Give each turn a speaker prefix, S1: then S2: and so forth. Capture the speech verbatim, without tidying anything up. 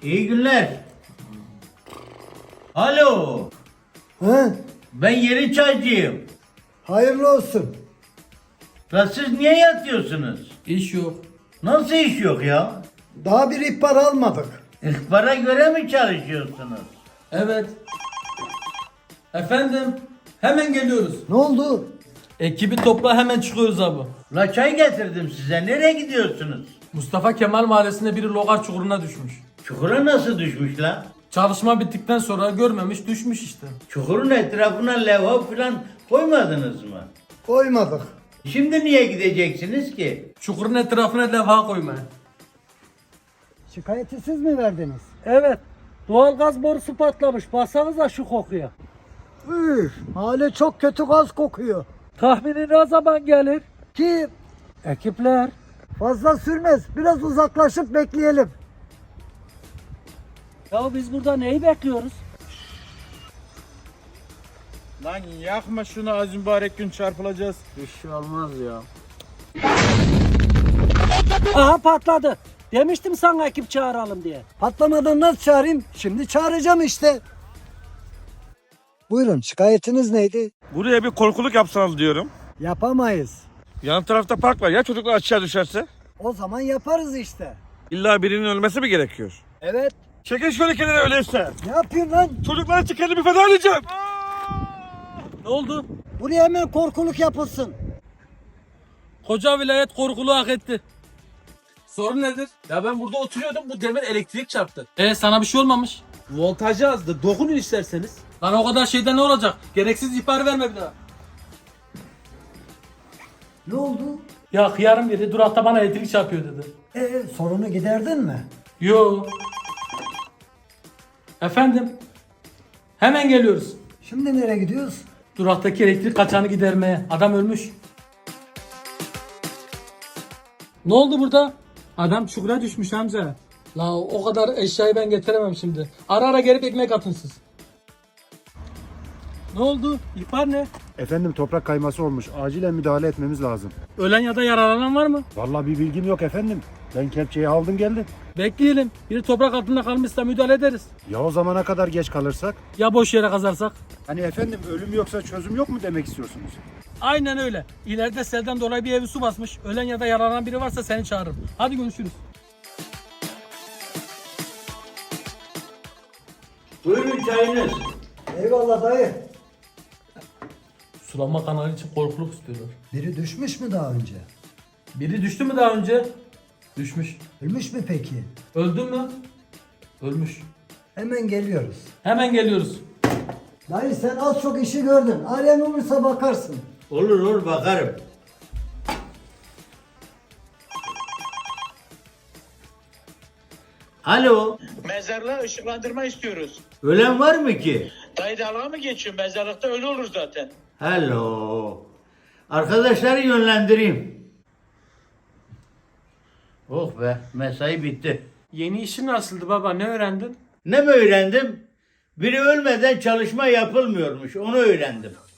S1: İyi günler. Alo.
S2: He?
S1: Ben yeni çaycıyım.
S2: Hayırlı olsun.
S1: La siz niye yatıyorsunuz?
S3: İş yok.
S1: Nasıl iş yok ya?
S2: Daha bir ihbar almadık.
S1: İhbara göre mi çalışıyorsunuz?
S3: Evet. Efendim, hemen geliyoruz.
S2: Ne oldu?
S3: Ekibi topla, hemen çıkıyoruz abi.
S1: La çay getirdim size. Nereye gidiyorsunuz?
S3: Mustafa Kemal Mahallesi'nde biri logar çukuruna düşmüş.
S1: Çukura nasıl düşmüş la?
S3: Çalışma bittikten sonra görmemiş, düşmüş işte.
S1: Çukurun etrafına levha falan koymadınız mı?
S2: Koymadık.
S1: Şimdi niye gideceksiniz ki?
S3: Çukurun etrafına levha koymaya.
S2: Şikayeti siz mi verdiniz?
S4: Evet. Doğalgaz borusu patlamış. Baksanıza şu kokuya.
S2: Üf, mahalle çok kötü gaz kokuyor.
S4: Tahmini ne zaman gelir?
S2: Ki
S4: Ekipler.
S2: fazla sürmez. Biraz uzaklaşıp bekleyelim.
S4: Ya biz burada neyi bekliyoruz?
S5: Lan yakma şunu, az mübarek gün çarpılacağız.
S3: Bir şey olmaz ya.
S4: Aha patladı. Demiştim sana ekip çağıralım diye.
S2: Patlamadan nasıl çağırayım? Şimdi çağıracağım işte. Buyurun, şikayetiniz neydi?
S5: Buraya bir korkuluk yapsanız diyorum.
S2: Yapamayız.
S5: Yan tarafta park var, ya çocuklar aşağı düşerse?
S2: O zaman yaparız işte.
S5: İlla birinin ölmesi mi gerekiyor?
S2: Evet.
S5: Çekin şöyle kenara öyleyse.
S2: Ne yapıyorsun lan?
S5: Çocuklar için kendimi feda edeceğim.
S3: Ne oldu?
S2: Buraya hemen korkuluk yapılsın.
S3: Koca vilayet korkuluğu hak etti. Sorun nedir? Ya ben burada oturuyordum, bu demir elektrik çarptı. E sana bir şey olmamış.
S6: Voltajı azdı. Dokunun isterseniz.
S3: Lan o kadar şeyden ne olacak? Gereksiz ihbar verme bir daha.
S2: Ne oldu?
S3: Ya hıyarın biri durakta bana elektrik çarpıyor dedi.
S2: Ee, sorunu giderdin mi?
S3: Yo. Efendim? Hemen geliyoruz.
S2: Şimdi nereye gidiyoruz?
S3: Duraktaki elektrik kaçağını gidermeye. Adam ölmüş. Ne oldu burada?
S6: Adam çukura düşmüş Hamza.
S3: La o kadar eşyayı ben getiremem şimdi. Ara ara gelip ekmek atın siz. Ne oldu? İhbar ne?
S7: Efendim toprak kayması olmuş. Acilen müdahale etmemiz lazım.
S3: Ölen ya da yaralanan var mı?
S7: Vallahi bir bilgim yok efendim. Ben kepçeyi aldım geldim.
S3: Bekleyelim. Biri toprak altında kalmışsa müdahale ederiz.
S7: Ya o zamana kadar geç kalırsak?
S3: Ya boş yere kazarsak?
S7: Hani efendim ölüm yoksa çözüm yok mu demek istiyorsunuz?
S3: Aynen öyle. İleride selden dolayı bir evi su basmış. Ölen ya da yaralanan biri varsa seni çağırırım. Hadi görüşürüz.
S1: Buyurun çayınız.
S2: Eyvallah dayı.
S3: Sulama kanalı için korkuluk istiyorlar.
S2: Biri düşmüş mü daha önce?
S3: Biri düştü mü daha önce? Düşmüş.
S2: Ölmüş mü peki?
S3: Öldü mü? Ölmüş.
S2: Hemen geliyoruz.
S3: Hemen geliyoruz.
S2: Dayı sen az çok işi gördün. Arayan olursa bakarsın.
S1: Olur olur bakarım. Alo.
S8: Mezarlığa ışıklandırma istiyoruz.
S1: Ölen var mı ki?
S8: Dayı dalga mı geçiyor? Mezarlıkta ölü olur zaten.
S1: Hello. Arkadaşları yönlendireyim. Oh be, mesai bitti.
S6: Yeni işin nasıldı baba? Ne öğrendin?
S1: Ne mi öğrendim? Biri ölmeden çalışma yapılmıyormuş, onu öğrendim.